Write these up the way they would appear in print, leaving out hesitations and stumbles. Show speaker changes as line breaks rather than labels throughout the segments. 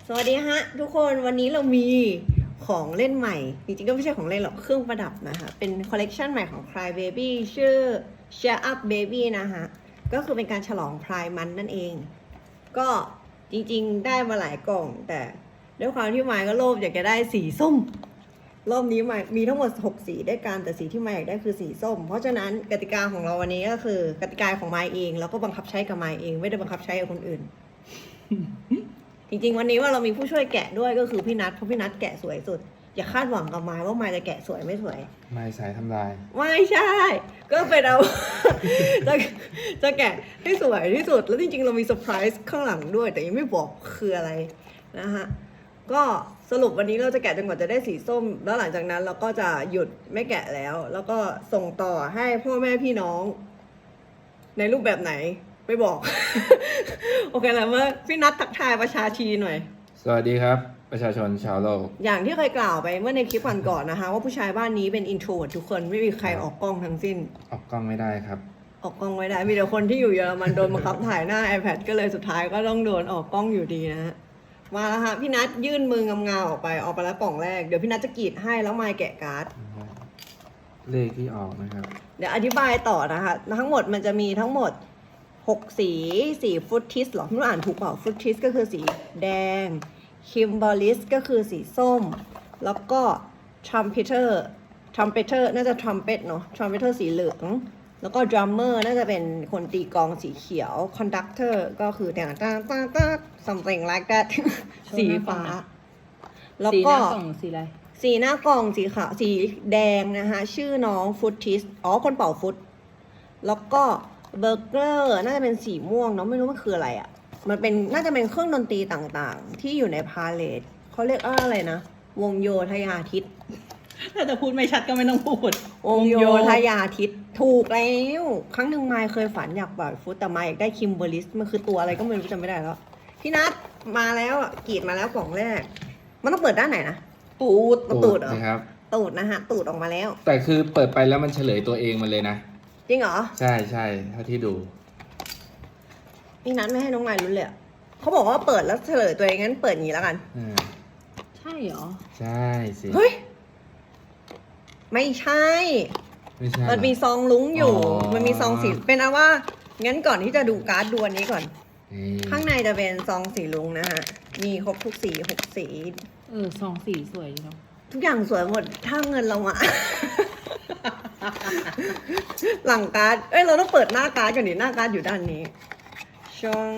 สวัสดีฮะทุกคนวันนี้เรามีของเล่นใหม่จริงๆก็ไม่ใช่ของเล่นหรอกเครื่องประดับนะคะเป็นคอลเลกชันใหม่ของ Cry Baby ชื่อ Cheer Up Baby นะคะก็คือเป็นการฉลอง Pride Month นั่นเองก็จริงๆได้มาหลายกล่องแต่ด้วยความที่ไมค์ก็โลภอยากจะได้สีส้มรอบนี้ไมค์มีทั้งหมด6สีด้วยกันแต่สีที่ไมค์อยากได้คือสีส้มเพราะฉะนั้นกติกาของเราวันนี้ก็คือกติกาของไมค์เองแล้วก็บังคับใช้กับไมค์เองไม่ได้บังคับใช้กับคนอื่น จริงๆวันนี้ว่าเรามีผู้ช่วยแกะด้วยก็คือพี่นัทเพราะพี่นัทแกะสวยสุดอย่าคาดหวังกับไม้ว่าไม้จะแกะสวยไม่สวย
ไม่สายทำลาย
ไม่ใช่ ก็เป็นเอา จะจะแกะให้สวยที่สุดแล้วจริงๆเรามีเซอร์ไพรส์ข้างหลังด้วยแต่ยังไม่บอกคืออะไรนะฮะก็สรุปวันนี้เราจะแกะจนกว่าจะได้สีส้มแล้วหลังจากนั้นเราก็จะหยุดไม่แกะแล้ว แล้วก็ส่งต่อให้พ่อแม่พี่น้องในรูปแบบไหนไม่บอก โอเคแล้วเมื่อพี่นัททักทายประชาชีหน่อย
สวัสดีครับ ประชาชนชาวโลก
อย่างที่เคยกล่าวไปเมื่อในคลิปก่อนๆนะคะว่าผู้ชายบ้านนี้เป็นอินโทรทุกคนไม่มีใครออกกล้องทั้งสิ้น
ออกกล้องไม่ได้ครับ
ออกกล้องไม่ได้มีแต่คนที่อยู่เยอรมันโดนบังคับถ่ายหน้า iPad ก็เลยสุดท้ายก็ต้องโดนออกกล้องอยู่ดีนะฮะมาแล้วฮะพี่นัทยื่นมืองามๆออกไปแล้วกล่องแรกเดี๋ยวพี่นัทจะกรีดให้แล้วมายแกะการ์ด
เลขที่ออกนะครับ
เดี๋ยวอธิบายต่อนะคะทั้งหมดมันจะมีทั้งหมด6สีฟรุตทิสหรอไม่รู้อ่านถูกเปล่าฟรุตทิสก็คือสีแดงคิมบอลิสก็คือสีส้มแล้วก็ทรัมเพเตอร์น่าจะทรัมเป็ตเนาะทรัมเพเตอร์สีเหลืองแล้วก็ดรัมเมอร์น่าจะเป็นคนตีกลองสีเขียวคอนดักเตอร์ก็คือแต่งsomething like that สีฟ้าแล้วก็
สีหน้ากล่องสีอะไร
สีหน้ากล่องสีขาวสีแดงนะคะชื่อน้องฟุตทิสคนเป่าฟุตแล้วก็เบอร์เกอร์น่าจะเป็นสีม่วงเนาะไม่รู้มันคืออะไรอะ่ะมันเป็นน่าจะเป็นเครื่องดนตรีต่างๆ ที่อยู่ในพาเลทเขาเรียกอะไรนะวงโยธยาทิต
ถ้าจะพูดไม่ชัดก็ไม่ต้องพูด
วงโยธยาทิตถูกแล้วครั้งหนึ่งไมค์เคยฝันอยากเป่าฟุตแต่ไมค์อยากได้คิมเบอร์ลิสมันคือตัวอะไรก็ไม่รู้จำไม่ได้แล้วพี่นัทมาแล้วอ่ะกรีดมาแล้วกล่องแรกมันต้องเปิดด้านไหนนะตูดเหรอ
นะครับ
ตูดนะฮะตูดออกมาแล้ว
แต่คือเปิดไปแล้วมันเฉลยตัวเองมาเลยนะ
จริงเหรอ
ใช่ใช่เท่าที่ดู
พี่นัทไม่ให้น้องไมค์รู้เลยอะเขาบอกว่าเปิดแล้วเฉลยตัวเองงั้นเปิดอย่างนี้แล้วกัน
ใช่เหรอ
ใช่สิ
เฮ้ย ไม่ใช่
ไม่ใช่
มันมีซองลุ้งอยู่
อ๋อ
มันมีซองสีเป็นเอาว่างั้นก่อนที่จะดูการ์ดดูอันนี้ก่อน
นี่
ข้างในจะเป็นซองสีลุ้งนะฮะมีครบทุกสี6 สี
ซองสีสวยดีเนาะ
ทุกอย่างสวยหมดถ้าเงินเราอะ หลังการ์ดเราต้องเปิดหน้าการ์ดก่อนดิหน้าการ์ดอยู่ด้านนี้ชง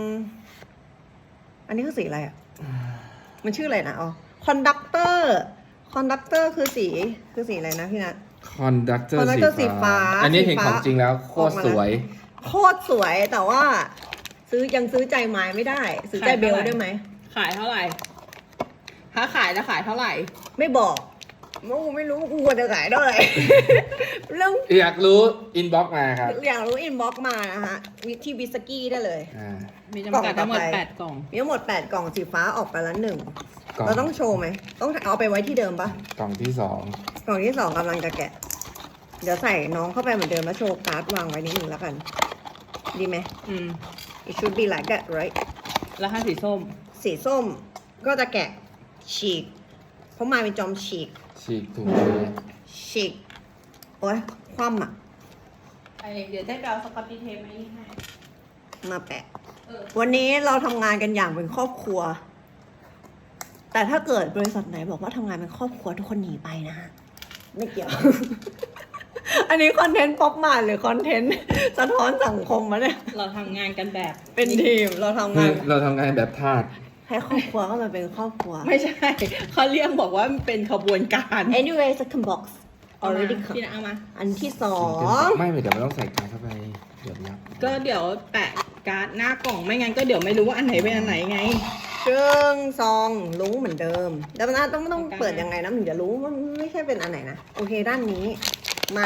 อันนี้คือสีอะไรอะมันชื่ออะไรนะคอนดักเตอร์คือสีอะไรนะพี่นัท
คอนดักเตอร์
conductor สีฟ้า
อันนี้
สี
เห็น
ฟ้า
ของจริงแล้วโคตรสวย
โคตรสวยแต่ว่ายังซื้อใจไม้ไม่ได้ ซื้อใจเบลได้ไหม
ขายเท่าไหร่ ถ้าขายจะขายเท่าไหร่
ไม่บอกไม่รู้กูควรจะขายเท่าไหร่ เรื่อง
อยากรู้อินบ็อกมาครับ
อยากรู้อินบ็อกมานะฮะที่บิสกี้ได้เลย
มีจำกัดทั้งหมด
กล่องต่อไป
8 กล่อง
มีทั้งหมด8 กล่องสีฟ้าออกไปแล้ว1
กล่อง
เราต้องโชว์ไหมต้องเอาไปไว้ที่เดิมปะ
กล่องที่สอง
กล่องที่2กำลังจะแกะ เดี๋ยวใส่น้องเข้าไปเหมือนเดิมแล้วโชว์การ์ดวางไว้นิดนึงแล้วกัน ดีไหม It should be like that right
แล้วถ้าสีส้ม
สีส้มก็จะแกะฉีกเพราะมาเป็นจอมฉีก
ฉีกถุงมือ
ฉีกโอ้ยคว่ำอ่ะ
เดี๋ยวได้ไปเอาสกอตตี้เทปมาให้
มาแปะ วันนี้เราทำงานกันอย่างเป็นครอบครัว แต่ถ้าเกิดบริษัทไหนบอกว่าทำงานเป็นครอบครัวทุกคนหนีไปนะ ไม่เกี่ยว อันนี้คอนเทนต์ป๊อปมาหรือคอนเทนต์สะท้อนสังคมมาเนี่ย
เราทำงานกันแบบ
เป็นทีมเราทำ
คื
งา
อน เราทำงานแบบทาส
ให้ครอบครัวก็มาเป็นครอบครัว
ไม่ใช่ เขาเรียกบอกว่ามันเป็นขบวนการ
anyway second box
เอามา
already
พี่นะเอามา
อันที่
ไม่เดี๋ยวมันต้องใส่การเข้าไปเดี๋ยวยับ
ก็เดี๋ยวแปะการ์ดหน้ากล่องไม่งั้นก็เดี๋ยวไม่รู้ว่าอันไหนเป็นอันไหนไง
ซองลุ้งเหมือนเดิมแต่มันต้องเปิดยังไงนะถึงจะรู้ว่าไม่ใช่เป็นอันไหนนะโอเคด้านนี้มา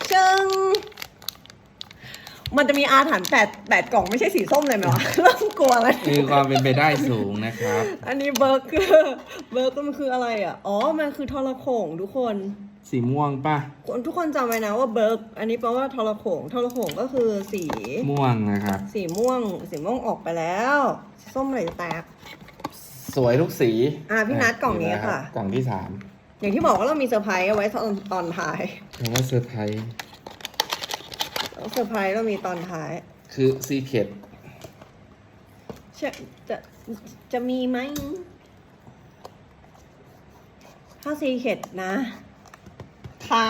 มันจะมีอาถรรพ์8 กล่องไม่ใช่สีส้มเลยไหมวะ เริ่มกลัวแล้ว
มีความเป็นไปได้สูงนะครับ
อันนี้เบอร์เกอร์มันคืออะไรอ่ะมันคือทรโข่งทุกคน
สีม่วงป่ะ
ทุกคนจำไว้นะว่าอันนี้แปลว่าทรโข่งก็คือสี
ม่วงนะครับ
สีม่วงออกไปแล้วส้มไหลแตก
สวยทุกสี
พี่นัทกล่องนี้ค่ะ
กล่องที่
อย่างที่บอกว่าเรามีเซอร์ไพรส์เอาไว้ตอนท้าย
3แต่ว่าเซอร์ไพรส์
เซอร์ไพรส์เรามีตอนท้าย
คือซีเคท
จะมีไหม ถ้าซีเข็ดนะ ขาย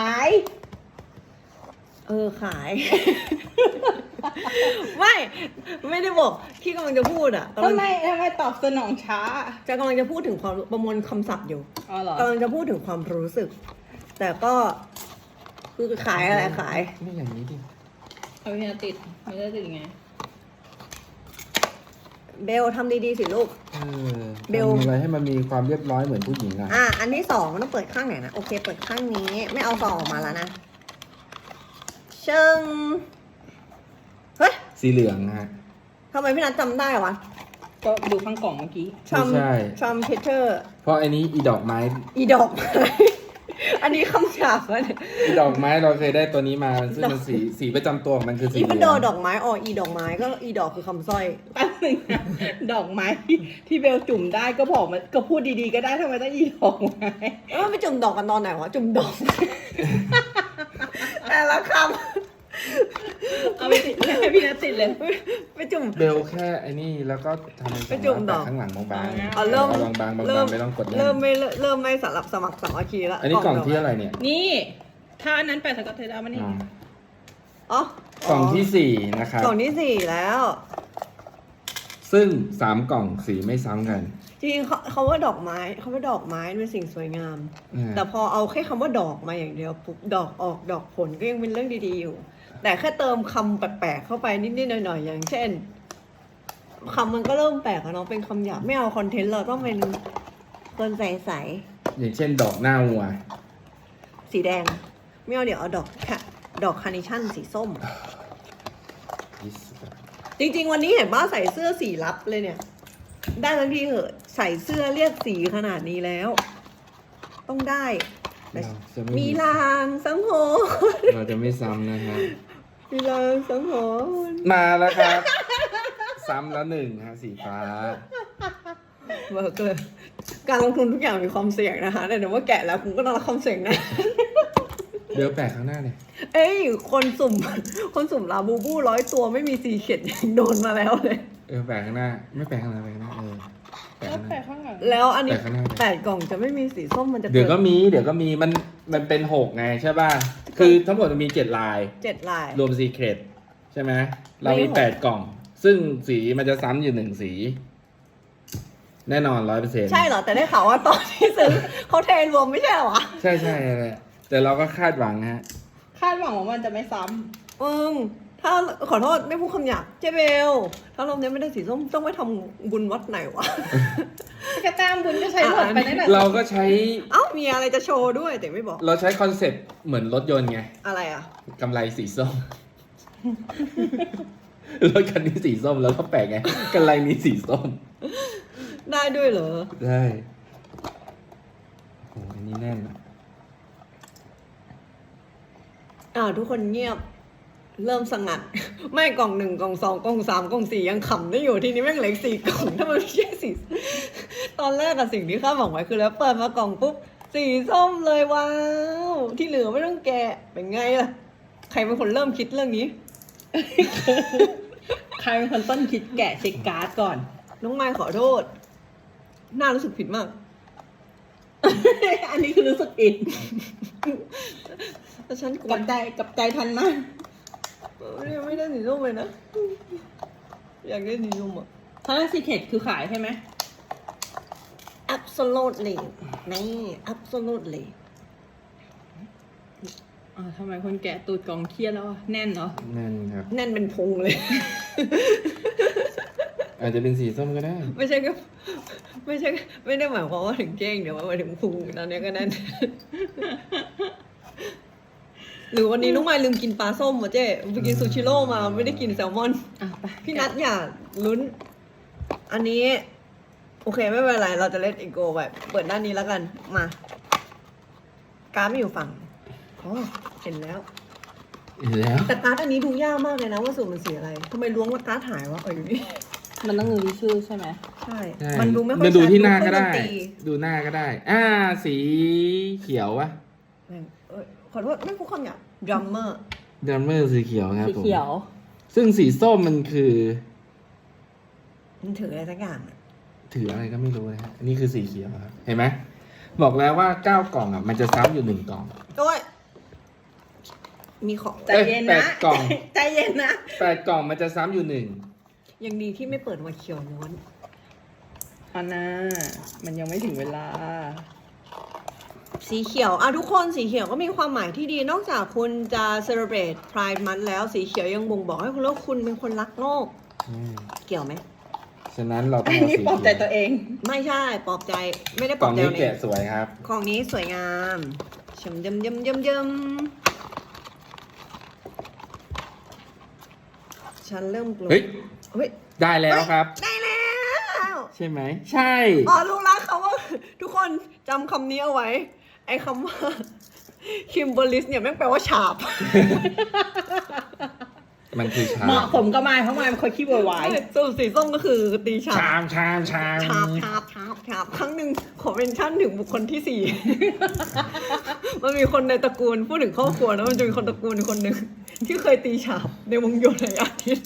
ขาย ไม่ได้บอกที่กำลังจะพูดอ่ะ
ทำไมตอบสนองช้า
กำลังจะพูดถึงความประมวลคำศัพท์อยู่
อ๋อเหรอก
ำลังจะพูดถึงความรู้สึก แต่ก็คือขายอะไรขาย
นี่อย่างนี้ดิ
เอาพี่นาติดไม่ได้ติดยังไง
เบลทำดีๆสิลูก เบล
ทำอะไรให้มันมีความเรียบร้อยเหมือนผู้หญิงอ่ะ
อันที่สองมันต้องเปิดข้างไหนนะ โอเค เปิดข้างนี้ ไม่เอาซองออกมาแล้วนะเชิงเฮ้ย
สีเหลืองฮะ
ทำไมพี่นัทจำได้วะ
ก็ดูข้างกล่องเมื่อกี้
ชัม
ไม่ใช่
ชัมเพเทอร์
เพราะอันนี้อีดอกไม้
อีดอกไม้ อันนี้คำฉาบวะเนี่ย
อีดอกไม้เราเคยได้ตัวนี้มาซึ่งมันสีประจำตัวของมันคือสี
อี
เห
พัน
ลื
โด
อง
ดอกไม้อีดอกไม้ก็อีดอกคือคำสร้อย
แป๊บนึงนะดอกไม้ที่เบลจุ่มได้ก็บอกมันก็พูดดีๆก็ได้ทำไมต้องอีดอกไม้
แล้วไปจุ่มดอกกันตอนไหนวะ จุ่มดอก แต่ละค
เอาไปติดเลยพี่นาติดเลย
ำไปจุ่ม
เบลแค่ไอ้นี่แล้วก็ทำเป็น
ไปจุ่มดอก
ข้างหลังบางๆ
อ๋อ
เริ่ม
บางๆไม่ต้องกดแน่น
เริ่มไม่สำหรับสมัครสามัคคีแล้ว
อันนี้กล่องที่อะไรเนี่ย
นี่ถ้าอันนั้นแปะสกอตเทปเอามานี่
อ๋อ
อ๋อก
ล่องที่ 4 นะครับ
กล่องที่ 4 แล้ว
ซึ่ง 3 กล่องสีไม่ซ้ำกัน
จริงๆเขาว่าดอกไม้เป็นสิ่งสวยงาม
อ่า
แต่พอเอาแค่คำว่าดอกมาอย่างเดียวปุ๊บดอกออกดอกผลก็ยังเป็นเรื่องดีๆอยู่ แต่แค่เติมคำแปลกๆเข้าไปนิดๆหน่อยๆอย่างเช่นคำมันก็เริ่มแปลกแล้วเนาะเป็นคำหยาบไม่เอาคอนเทนต์เราต้องเป็นคนใส
อย่างเช่นดอกหน้าวัว
ๆสีแดง ไม่เอาเดี๋ยวเอาดอกคาร์เนชั่นสีส้ม จริงๆวันนี้เห็นบ้าใส่เสื้อสีลับเลยเนี่ย ได้ทั้งทีเหอะใส่เสื้อเรียกสีขนาดนี้แล้ว ต้องได้แต่
เราจะไม่
มีลางสังหรณ์
เราจะไม่ซ้ำนะฮะ
มีลางสังหรณ์
มาแล้วครับ ซ้ำแล้ว1ฮะสีฟ้า
เบิกเลยการลงทุนทุกอย่างมีความเสี่ยงนะคะแต่เดี๋ยวว่าแกะแล้วคุณก็ต้องรับความเสี่ยงนะ
เบลแปะข้างหน้าเลย
เอ้ยคนสุ่มลาบูบู100 ตัวไม่มีสีเข็ดยังโดนมาแล้วเลย
แปะข้างหน้า ไม่แปะข้างหน้าแปะข้างหน้าแปะ
ก็
ข้างหน้า
แปะข้างหลัง
แล้วอันนี้
แปะข้างหน้า
8 กล่องจะไม่มีสีส้มมันจะ
เดี๋ยวก็มีมันเป็น6ไงใช่ป่ะ คือทั้งหมดมันมี7 ลาย
7 ลาย
รวมซีเครตใช่ไหมเรามี
ไม่หก
8 กล่อง ซึ่งสีมันจะซ้ำอยู่1 สี แน่นอน 100%
ใช่เหรอ แต่ได้ข่าวว่าตอนที่ซื้อเขาเทรวมไม่ใช่เหรอวะ
ใช่เลยแต่เราก็คาดหวังฮะ
คาดหวังว่ามันจะไม่ซ้
ถ้าขอโทษไม่พูดคำหยาบเจเบล ถ้ารอบนี้ไม่ได้สีส้มต้องไปทำบุญวัดไหนวะ
ำกระแตมบุญก็ใช้หมดไปนั่นแหละ
เราก็ใช้
เอ้ามีอะไรจะโชว์ด้วยแต่ไม่บอก
เราใช้คอนเซ็ปต์เหมือนรถยนต์ไง
อะไรอ่ะ
กำไรสีส้ม รถคันนี้สีส้มแล้วก็แปลกไงกำไรนี้สีส้ม
ได้ด้วยเหรอ
ได้โอ้อันนี้แน่นอะ
ทุกคนเงียบ เริ่มสงัด ไม่กล่อง 1 กล่อง 2 กล่อง 3 กล่อง 4 ยังขำได้อยู่ทีนี้แม่งเหลืออีก4 กล่องถ้ามันไม่ใช่สีตอนแรกอะสิ่งที่คาดหวังไว้คือแล้วเปิดมากล่องปุ๊บสีส้มเลยว้าว ที่เหลือไม่ต้องแกะเป็นไงล่ะ ใครเป็นคนเริ่มคิดเรื่องนี้
ใครเป็นคนต้นคิดแกะเช็คการ์ดก่อน
น้องไมค์ขอโทษ น่ารู้สึกผิดมาก
อันนี้คือรู้สึกอิน
แต่ฉันก
กับใจทันมาก
ไม่ได้สีส้มเลยนะ อยากได้สีส้มอ่ะ
เพราะซีเคทคือขายใช่ไหม
absolutely นี่ absolutely
ทำไมคนแกะตูดกล่องเครียดแล้วอะแน่นเหรอ
แน่นครับ
แน่นเป็นพุงเลย
อาจจะเป็นสีส้มก็ได้
ไม่ได้หมายความว่าถึงเก้งเดี๋ยวหมายถึงพุงตอนนี้ก็แน่น หรือวันนี้น้องไมค์ลืมกินปลาส้มวะเจ๊ไปกินซูชิโร่มาไม่ได้กินแซลมอน
ไป
พี่นัทอย่าลุ้น อันนี้ โอเคไม่เป็นไร เราจะเล่นอีโก้แบบเปิดด้านนี้แล้วกัน มา การ์ดไม่อยู่ฝั่งอ๋อเห็นแล้ว
แล้ว
แต่การ์ดอันนี้ดูยากมากเลยนะว่าสูตรมันสีอะไรทำไมล้วงว่าการ์ดหายวะอยู่นี่
มันต้องดูที่ชื่อใช่ไหม
ใช่
ใช่
มันดูไม่ค่อย
มันดู
ชั
ที่หน้าก็ได้
เครื่องดนตรี
ดูหน้าก็ได้ สีเขียววะ
ขอโทษไม่พูดคำหยาบดรัมเมอร์
ดัมเมอร์สีเขียวครับ
สี
ผม
เขียว
ซึ่งสีส้มมันคือ
มันถืออะไรสักอย่างอะ
ถืออะไรก็ไม่รู้นะฮะอันนี้คือสีเขียวครับ เห็นไหม บอกแล้วว่า9 กล่องอ่ะ มันจะซ้ำอยู่1 กล่อง
โอ้ยมีของ
ใจเย็น
แป
นะ
ดกล่อง
ใจเย็นนะ
8 กล่องมันจะซ้ำอยู่
ยังดีที่ไม่เปิดมาเขียวล้วน
อันน่ะมันยังไม่ถึงเวลา
สีเขียวทุกคนสีเขียวก็มีความหมายที่ดี นอกจากคุณจะ celebrate Pride Month แล้วสีเขียวยังบ่งบอกให้คุณรู้ว่าคุณเป็นคนรักโลก เกี่ยวไหม
ฉะนั้นเราต้
อั
อง
น
เอา
นี้
สี
ปลอบใจ
เขียว
ตัวเอง
ไม่ใช่ปลอบใจไม่ได้ป
ก
ล
ล่
อ
อบ ง
ใจ
นี้
ตัวเอ
แกะ
ง
สวยครับ
ของนี้สวยงามชมยำยำยำยำฉันเริ่มกลัว
เฮ้ย
เฮ้ย
ได้แล้วครับ
ได้แล้ว
ใช่ไหม ใช่
รู้แล้วคำว่า ทุกคนจำคำนี้เอาไว้ ไอ้คำว่าคิมเบอร์ลิสเนี่ยแม่งแปลว่าฉาบ
มันคือชา
เหมาะสมกับไม้เพราะไม้มันเคยขี้โวยวาย
สูตรสีส้มก็คือตีฉาบ
ชามชามชาม
ฉาบฉาบฉาบฉาบครั้งหนึ่งขอเป็นชั่นถึงบุคคลที่สี่ มันมีคนในตระกูลพูดถึงครอบครัวนะมันจะมีคนตระกูลคนหนึ่งที่เคยตีฉาบในวงโยนในอาทิตย์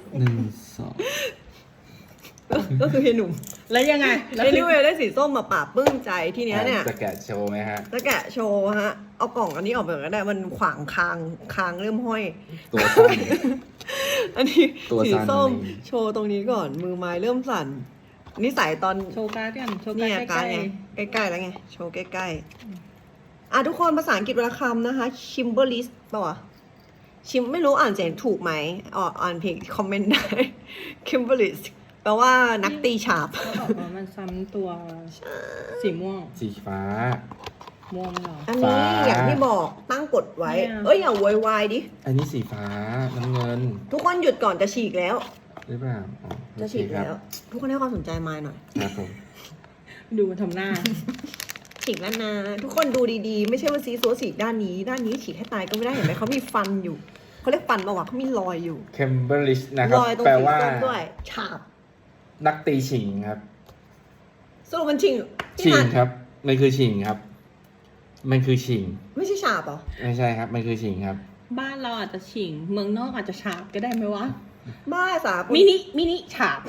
1 2
ก็คือเฮยหนุ่ม
แล้วยังไง
เอนิเวย์ได้สีส้มมาปราบปลื้มใจที่เนี้ยเนี่ย
จะแกะโชว์ไหมฮะ
จะแกะโชว์ฮะ เอากล่องอันนี้ออกไปก็ได้มันขวางคางเริ่มห้อย
ตัวสั้น
อันนี้
ตัว
สี
สั่น
ส้ม
เลย
โชว์ตรงนี้ก่อนมือไม้เริ่มสั่นนิสัยตอน
โชว์การ์ดกันโชว์
เนี่
การ์
ย
ดใก
การ
ล้
ไงใกล้ๆแล้วไงโชว์ใกล้ๆทุกคนภาษาอังกฤษวรรณคำนะคะ Kimberlist ป่าวะชิมไม่รู้อ่านเสียงถูกไหมอ่านผิดคอมเมนต์ได้ Kimberlist แปลว่านักตีฉาบ
ๆเขาบอกว่ามันซ้ำตัวสีม่วง
สีฟ้า
ม่วงเหรอ
อันนี้
ฟ้า
อย่างที่บอกตั้งกฎไว้
เนี่ย
เอ้ยอย่าโวยวายดิ
อันนี้สีฟ้า น้ำเงิน
ทุกคนหยุดก่อนจะฉีกแล้ว
หรือเปล่าอ๋อโอ
จะ
เค
ฉีก
ครับ
แล้ว ทุกคนให้ความสนใจมายหน่อย
ครับผม
ดูมันทำหน้า
ฉีกแล้วนะ ทุกคนดูดีๆ ไม่ใช่ว่าซีซัวฉีกด้านนี้ฉีกให้ตายก็ไม่ได้เห็นไหมเขามีฟันอยู่เขาเรียกฟันปะวะเขามีรอยอยู่
เคมเบอร์ลิชนะครับ
รอยตรง
แปล
สี
ว่า
ส้มด้วยฉาบ
นักตีฉิงครับ
สรุปมันชิง
ฉิง
นัท
ครับ มันคือฉิงครับ มันคือฉิง
ไม่ใช่ฉาบเหรอ
ไม่ใช่ครับ มันคือฉิงครับ
บ้านเราอาจจะฉิง เมืองนอกอาจจะฉาบก็ได้ไหมวะ
บ้าสาป
มินิฉาบ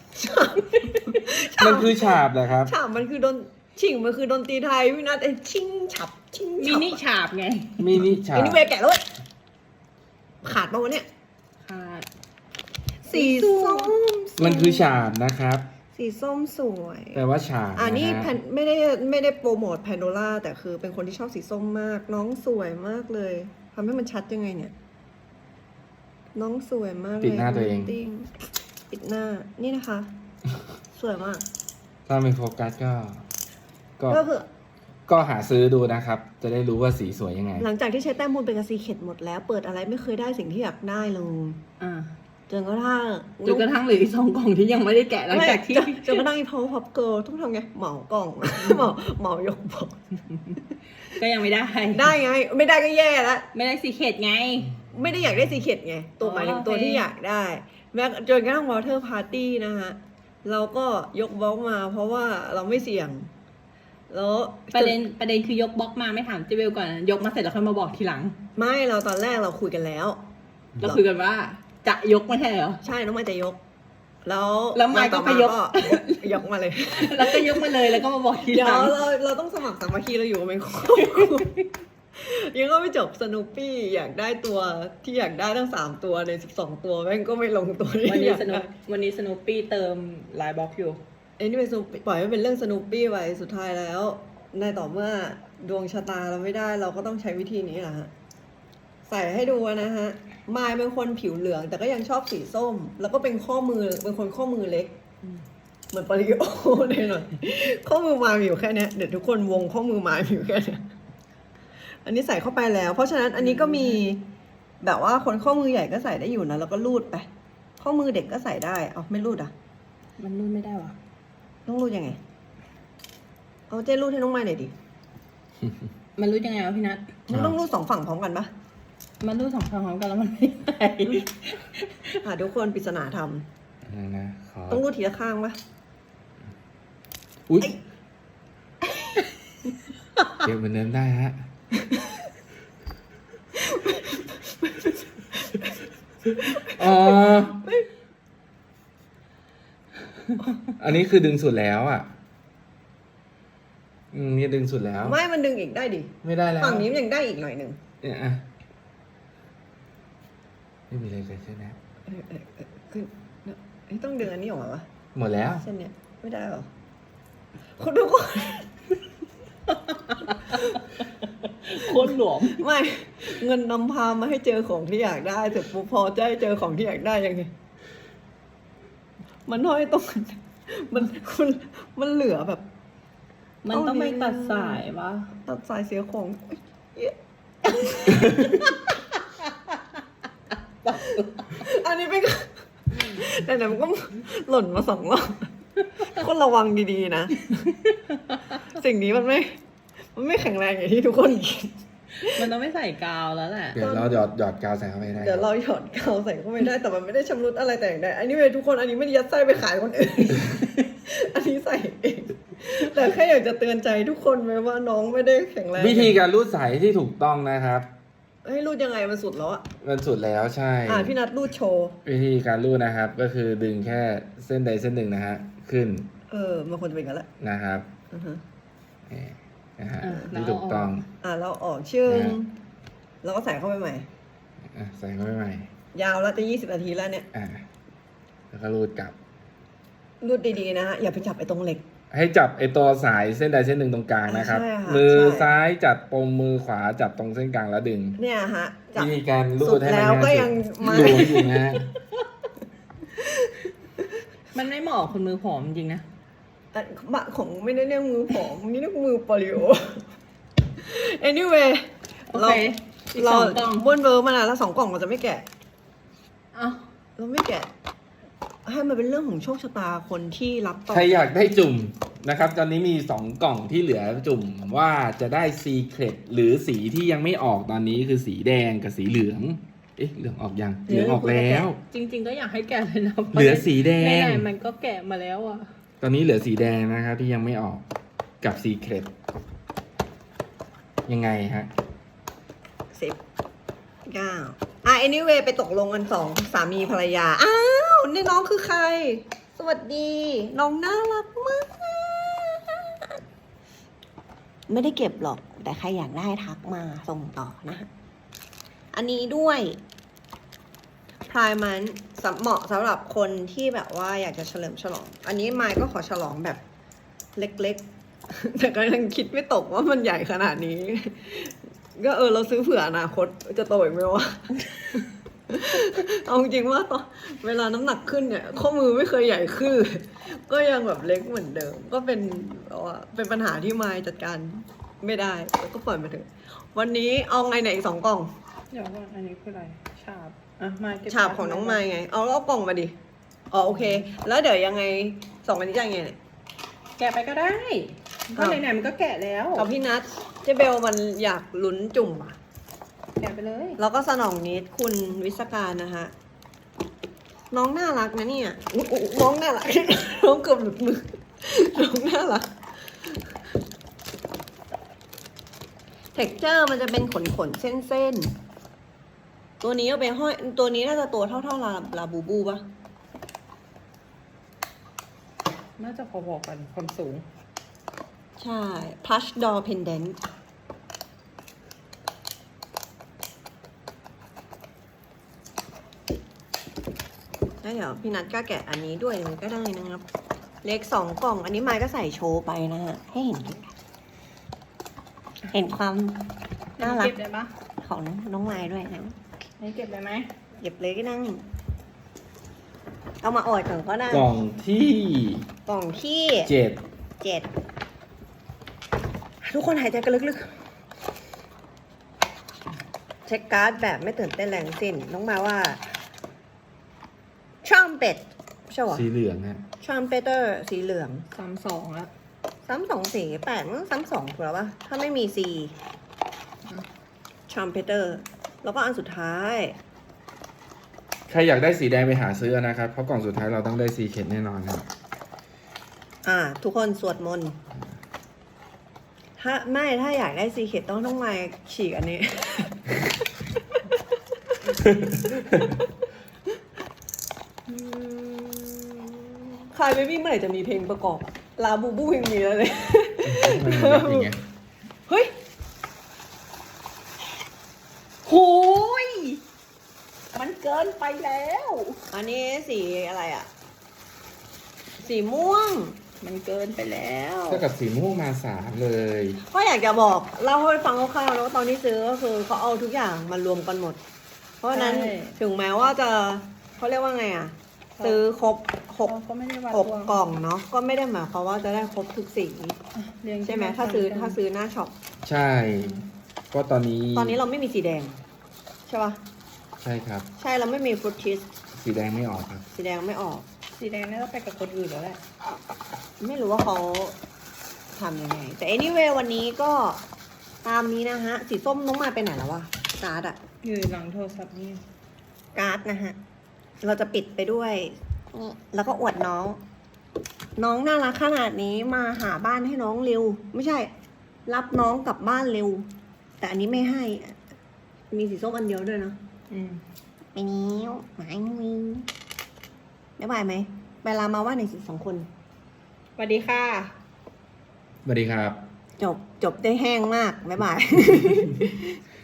มันคือฉาบเหรอครับ
ฉาบมันคือชิงมันคือดนตรีไทยพี่นัทไอ้ชิงฉับชิง
มิ
ฉับ
นิฉาบไง
มินิฉา
ไอ้
บ
นี่เวแกะแล้วเว้ยขาดปะวะเนี่ย
ค่ะ
สีส้ม
มันคือฉาบนะครับ
สีส้มสวย
แปลว่าฉาบ
นี่
ะฮะ
แพนไม่ได้โปรโมทแพนโดล่าแต่คือเป็นคนที่ชอบสีส้มมาก น้องสวยมากเลยทำให้มันชัดยังไงเนี่ย น้องสวยมากเลย
ปิดหน้าตัวเอง
ติ้งปิดหน้านี่นะคะ สวยมาก
ถ้าไม่โฟกัสก็
ก็คือ
ก็หาซื้อดูนะครับ จะได้รู้ว่าสีสวยยังไง
หลังจากที่ใช้แต้มบุญเป็นกระซีเข็ดหมดแล้ว เปิดอะไรไม่เคยได้สิ่งที่อยากได้เลย
อ่า
จนกระทั่ง
จนกระทั่งเหลืออีก2 กล่องที่ยังไม่ได้แกะหลังจากที่
จนกระทั่งอีพาวพับเกิลต้องทำไงเหมากล่อง เหมายกบอก
ก็ยังไม่ได้
ได้ไง ไม่ได้ก็แย่แล้ว
ไม่ได้สีเขตไง
ไม่ได้อยากได้สีเข็ดไง ตัว
อ๋อ
หมายถึงตัว
โอเค
ที่อยากได้ แม้จนกระทั่งวอเตอร์พาร์ตี้นะฮะ เราก็ยกบล็อกมาเพราะว่าเราไม่เสี่ยง แล้ว
ประเด็นคือยกบล็อกมาไม่ถามเจเบลก่อนนะยกมาเสร็จแล้วค่อยมาบอกทีหลัง
ไม่เราตอนแรกเราคุยกันแล้ว
เราคุยกันว่า จะยกไม่ใช่เหรอ
ใช่น้องมายจะยก แล้ว
แล้วมายก็ไปยก
ยกมาเลย
แล้วก็ยกมาเลยแล้วก็มาบอกที
เดี๋ย
ห
ว
ลัง
เราต้องสมัครสามัคคีเราอยู่กันเป็นครอบครัวยังก็ไม่จบสนุปปี้อยากได้ตัวที่อยากได้ทั้ง3ตัวใน12ตัวแม่งก็ไม่ลงตัวที่
วัน
อ
นี้
ยาก
สนุ
ได้
ปวันนี้สนุปปี้เติมลายบล็อกอยู่
ไอ้นี่เป็นปล่อยให้เป็นเรื่องสนุปปี้ไปสุดท้ายแล้ว ในต่อเมื่อดวงชะตาเราไม่ได้เราก็ต้องใช้วิธีนี้แหละฮะใส่ให้ดูนะฮะมายเป็นคนผิวเหลือง แต่ก็ยังชอบสีส้ม แล้วก็เป็นข้อมือเป็นคนข้อมือเล็ก เหมือนปริโอเลยหน่อยข้อมือมายมีอยู่แค่เนี้ยเดี๋ยวทุกคนวงข้อมือมายมีอยู่แค่เนี้ยอันนี้ใส่เข้าไปแล้ว เพราะฉะนั้นอันนี้ก็มีแบบว่าคนข้อมือใหญ่ก็ใส่ได้อยู่นะแล้วก็รูดไป ข้อมือเด็กก็ใส่ได้เอาไม่รูดอ่ะ
มันรุ่นไม่ได้วะ
ต้องรูดยังไงเอาเจ้รูดให้น้องมายหน่อยดิ
มันรู้ยังไงวะพี่นัท
มันต้องรูด2 ฝั่งพร้อมกันปะ
มันรู้2 ครั้งพร้อมกันแล้วมันไม่ได้
ทุกคนปริศนาธรรม
นะขอ
ต้องรูดทีละข้างปะ
อุ๊ยเก็บเหมือนเดิมได้ฮะ อ๋อ อันนี้คือดึงสุดแล้วอ่ะ นี่ดึงสุดแล้ว
ไม่มันดึงอีกได้ดิ
ไม่ได้แล้ว
ฝั่งนี้มันยังได้อีกหน่อยหนึ่ง
เนี่ยอ่ะไม่มีอะไรเกิดขึ้นนะ
คือต้องดึงอันนี้ออกมาวะ
หมดแล้ว
เส้นเนี้ยไม่ได้หรอคุณทุกคน
โคตรหลวม
ไม่เงินนำพามาให้เจอของที่อยากได้เสร็จปุ๊บพอจะให้เจอของที่อยากได้ยังไงมันห้อยตรงกันมันเหลือแบบ
มันต้องไปตัดสายปะ
ตัดสายเสียของเอ๊ะอันนี้เป็นแต่ไหนมันก็หล่นมา2 รอบทุกคนระวังดีๆนะ สิ่งนี้มันไม่แข็งแรงอย่างที่ทุกคนคิด
มันต้องไม่ใส่กาวแล้วแหละ
เดี๋ยวเราหยอดกาวใส่เข้าไปได้
เดี๋ยวเราหยอดกาวใส่เข้าไปได้แต่มันไม่ได้ชำรุดอะไรแต่อย่างใดอันนี้เว้ยทุกคนอันนี้ไม่ได้ยัดไส้ไปขายคนอื่น อันนี้ใส่เองแต่แค่อยากจะเตือนใจทุกคนไว้ว่าน้องไม่ได้แข็งแรง
วิธีการรูดสายที่ถูกต้องนะครับ
ให้รูดยังไงมันสุดแล้วอะ
มันสุดแล้วใช่
พี่นัทรูดโชว์
วิธีการรูดนะครับ ก็คือดึงแค่เส้นใดเส้นหนึ่งนะฮะ ขึ้น
มันควรจะเป็นกันแหละ
นะครับ
อือฮะ
นี่นะฮะ
แล้ว
ที่ถูกต้อง
เราออกชื่อ
นะ
แล้วก็ใส่เข้าไปใหม่
ใส่เข้าไปใหม่
ยาวแล้วจะ20 นาทีแล้วเนี่ย
แล้วก็รูดกลับ
รูดดีๆนะฮะอย่าไปจับไอ้ตรงเหล็ก
ให้จับไอตัวสายเส้นใดเส้นหนึ่งตรงกลางนะครับ
ใช่ค่ะ
มือ
ใช่
ซ้ายจับปมมือขวาจับตรงเส้นกลางแล้วดึง
เนี่ยฮะจับ
วิธีการรู
สุ
ด
ด
ให้มัน
แล้วก็
ง่าย
ยัง
สุด
ไม่
หลวมอยู่นะฮะ
มันไม่เหมาะกับคนมือผอมจริงนะ
บะของไม่ได้เรียกมือผอมนี่เรียกมือโปลิโอ anyway
โอเคอีก
เรา
สองกล่อง
บ้วนเบอร์มานานแล้ว2 กล่องเราจะไม่แกะ
เอ้า
เราไม่แกะ ให้มันเป็นเรื่องของโชคชะตาคนที่รับต่อ
ใครอยากได้จุ่มนะครับ ตอนนี้มี2 กล่องที่เหลือจุ่มว่าจะได้ซีเครตหรือสีที่ยังไม่ออกตอนนี้คือสีแดงกับสีเหลือง เอ๊ะเหลืองออกยังเหลืองออกแล้ว
จริง ๆ ก็อยากให้แกะเลยนะ
เหลือสีแดง
ไหนๆมันก็แกะมาแล้วอ่ะ
ตอนนี้เหลือสีแดงนะครับที่ยังไม่ออกกับซีเครตยังไงฮะ
10 9 anyway ไปตกลงกัน2 สามีภรรยา อ้าว นี่น้องคือใคร สวัสดี น้องน่ารักมาก ไม่ได้เก็บหรอก แต่ใครอยากได้ทักมาส่งต่อนะ อันนี้ด้วยพรายมันเหมาะสำหรับคนที่แบบว่าอยากจะเฉลิมฉลอง อันนี้ไมค์ก็ขอฉลองแบบเล็กๆ แต่ก็ยังคิดไม่ตกว่ามันใหญ่ขนาดนี้ ก็เราซื้อเผื่ออนาคตจะโตอีกไหมวะ เอาจริงว่าตอนเวลาน้ำหนักขึ้นเนี่ย ข้อมือไม่เคยใหญ่ขึ้น ก็ยังแบบเล็กเหมือนเดิม ก็เป็นเป็นปัญหาที่ไมค์จัดการไม่ได้แล้วก็ปล่อยมาเถอะวันนี้เอาไงเนี่ยอีก2 กล่อง
เดี๋ยวก่อนอันนี้คืออะไร ฉาบ อ่ะ มาเก็บ
ฉาบของน้องไม้ไง เอาแล้วเอากล่องมาดิ อ๋อโอเค แล้วเดี๋ยวยังไง2 อันนี้จะยังไงเนี่ย
แกะไปก็ได้ก็ไหนๆมันก็แกะแล้ว
เอาพี่นัทเจเบลมันอยากลุ้นจุ่มอ่ะ
แกะไปเลย
แล้วก็สนองนิดคุณวิศการนะคะ น้องน่ารักนะเนี่ยอุ๊ยน้องน่ารัก น้องเกือบหลุดมือ น้องน่ารัก เท็กเจอร์มันจะเป็นขนเส้นๆ ตัวนี้เอาไปห้อย ตัวนี้น่าจะตัวเท่าลาบูบูปะ
น่าจะพอๆกันความสูง
ใช่ plush door pendant แล้วเดี๋ยวพี่นัทก็แกะอันนี้ด้วยเลยก็ได้นะครับ เล็ก2 กล่อง อันนี้ไมค์ก็ใส่โชว์ไปนะฮะ ให้เห็นความน่ารัก
เก็บได้ปะ
ของน้องไมค์ด้วยนะ
นี่เก็บได้ไหม
เก็บเลยก็นั่ง เอามาออดก่อนก็ได้
กล่องที่
กล่องที่
7
7 ทุกคนหายใจกันลึกๆ เช็คการ์ดแบบไม่ตื่นเต้นแรงสิ้นน้องมาว่าทรัมเป็ตใช่หรอ
สีเหลืองฮะ
ทรัมเป็ตเตอร์สีเหลือง
32แล้ว
3248มัน32ถูกแล้วปะถ้าไม่มี C ทรัมเป็ตเตอร์แล้วก็อันสุดท้าย
ใครอยากได้สีแดงไปหาซื้อนะครับ เพราะกล่องสุดท้ายเราต้องได้ซีเคทแน่นอนครับ
ทุกคนสวดมนต์ถ้าอยากได้ซีเคทต้องมาฉีกอันนี้ คายเบบี้เมื่อไหร่จะมีเพลงประกอบอะลาบูบูยังมีแล้วเลย
มันแบบอย่างเงี้ย
เฮ้ยโหยมันเกินไปแล้ว
อันนี้สีอะไรอ่ะ สีม่วง
มันเกินไปแล้ว
เท่ากับสีม่วงมา3เลย
ก็อยากจะบอกเล่าให้ฟังคร่าวๆนะว่าตอนที่ซื้อก็คือเขาเอาทุกอย่างมารวมกันหมด เพราะฉะนั้น
ใช่
ถึงแม้ว่าจะเขาเรียกว่าไงอ่ะ ซื้อครบหก
ก็ไม่ได้วัด
หก
ดวง
กล่องเนาะก็ไม่ได้หมายความว่าจะได้ครบทุกสี
เรียง
ใช่ไหม
กัน
ถ้าซื้อหน้าช็อป
ใช่ ก็ตอนนี้
ตอนนี้เราไม่มีสีแดง ใช่ปะ
ใช่ครับ
ใช่เราไม่มีฟรุตชีส
สีแดงไม่ออกครับ
สีแดงไม่ออก
สีแดงน่าจะไปกับคนอื่นแล้วแหละ
ไม่รู้ว่าเขาทำยังไง แต่ anyway วันนี้ก็ตามนี้นะฮะ สีส้มน้องมายไปไหนแล้ววะการ์ดอะ
อยู่หลังโทรศัพท์นี่
การ์ดนะฮะ เราจะปิดไปด้วยนี่แล้วก็อวดน้อง น้องน่ารักขนาดนี้มาหาบ้านให้น้องเร็ว ไม่ใช่ รับน้องกลับบ้านเร็ว แต่อันนี้ไม่ให้ มีสีส้มอันเดียวด้วยเนาะ
อืม
ไปนิ้วหมายมือได้บายไหมไปลามาว่าในสิ2 คน
สวัสดีค่ะ
สวัสดีครับ
จบได้แห้งมากบ๊ายบาย